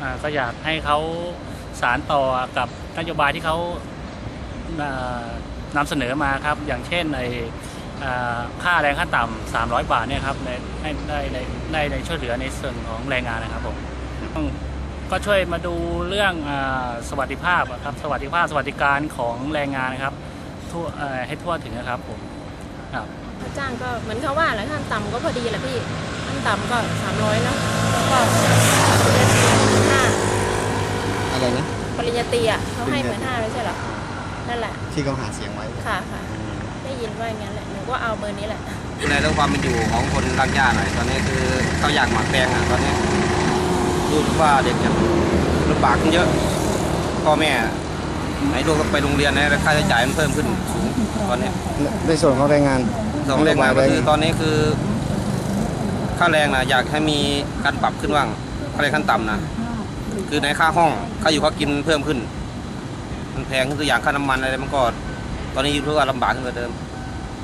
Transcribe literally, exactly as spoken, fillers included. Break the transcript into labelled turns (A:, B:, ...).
A: ก็อยากให้เขาสานต่อกับนโยบายที่เขานำเสนอมาครับอย่างเช่นในค่าแรงขั้นต่ำสามร้อยบาทเนี่ยครับในให้ได้ในได้ในช่วยเหลือในส่วนของแรงงานนะครับผมก็ช่วยมาดูเรื่องสวัสดิภาพครับสวัสดิภาพสวัสดิการของแรงงานนะครับทั่วให้ทั่วถึงนะครับผมครับ
B: ค่าจ้างก็เหมือนเขาว่าแหละขั้นต่ำก็พอดีแหละพี่ขั้นต่ำก็สามร้อยเนาะแล้วก็ห้า
C: อะไรนะ
B: ปริญญาตรีอ่ะเขาให้เหมือนห้าไม่ใช่หรอนั่นแหละ
C: ที่เขาหาเสียงไว้
B: ค่ะค่ะได้ยินว่าอย่างนั้นแหละหนูก็เอาเบอร์นี้แหละ
D: ในเรื่องความเป็นอยู่ของคนรากหญ้าหน่อยตอนนี้คือเขาอยากหมักแปลงอ่ะตอนนี้ดูว่าเด็กเนี่ยลำบากขึ้นเยอะพ่อแม่ไหนลูกก็ไปโรงเรียนนะค่าใช้จ่ายมันเพิ่มขึ้นสูงตอนนี้
C: ในส่วนของแรงงาน
D: ส่วนของแรงงานก็คือตอนนี้คือค่าแรงนะอยากให้มีการปรับขึ้นบ้างค่าแรงขั้นต่ำนะคือในค่าห้องค่าอยู่ค่ากินเพิ่มขึ้นมันแพงขึ้นตัวอย่างค่าน้ำมันอะไรมันก็ตอนนี้ยูทูบว่าลำบากขึ้นกว่าเดิม